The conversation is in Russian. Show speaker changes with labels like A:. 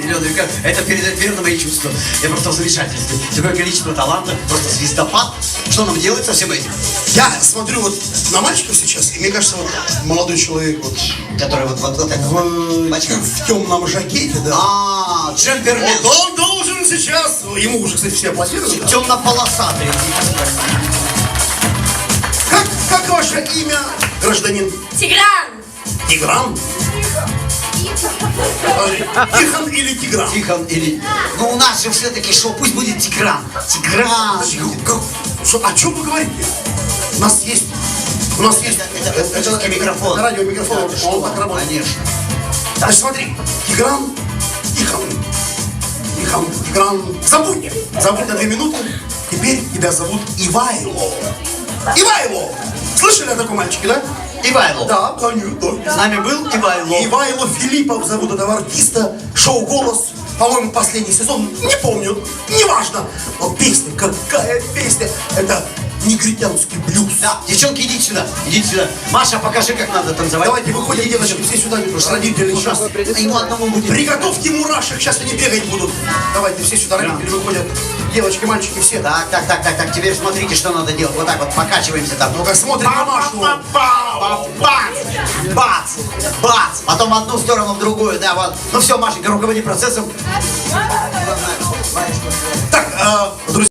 A: Елена Вика, это передает верно мои чувства. Я просто в замешательстве. Такое количество таланта, просто звездопад. Что нам делать со всем этим?
B: Я смотрю вот на мальчиков сейчас, и мне кажется, вот молодой человек вот
A: Который вот это.
B: в темном жакете, да.
A: А, джемпермен.
B: Вот он должен сейчас, ему уже, кстати, все аплодируют. Да?
A: Темно-полосатый.
B: Как ваше имя, гражданин?
C: Тигран!
B: Тигран? Тихон или Тигран?
A: Тихон или... Ну, у нас же все-таки шоу, пусть будет Тигран. Тигран.
B: О чем вы говорите? У нас есть...
A: Это микрофон.
B: Радиомикрофон, он так работает.
A: Конечно.
B: Значит, смотри, Тигран, Тигран, забудь на 2 минуты. Теперь тебя зовут Ивайло. Ивайло! Слышали о таком мальчике, да?
A: Ивайло.
B: Да, конечно.
A: С нами был Ивайло.
B: Ивайло Филиппов зовут этого артиста. Шоу «Голос». По-моему, последний сезон. Не помню. Неважно. Но песня, какая песня. Это негритянский блюз.
A: Да, девчонки, идите сюда. Идите сюда. Маша, покажи, как надо танцевать.
B: Давайте выходим, девочки, все сюда. Родители сейчас.
A: Ему одному будет.
B: Приготовьте мурашек, сейчас они бегать будут. Давайте все сюда, родители выходят. Девочки, мальчики, все.
A: Так. Теперь смотрите, что надо делать. Вот так вот покачиваемся там.
B: Ну-ка, смотрим на Машу.
A: Бац! Потом в одну сторону, в другую, да, вот. Ну все, Машенька, руководи процессом.
B: Так, друзья.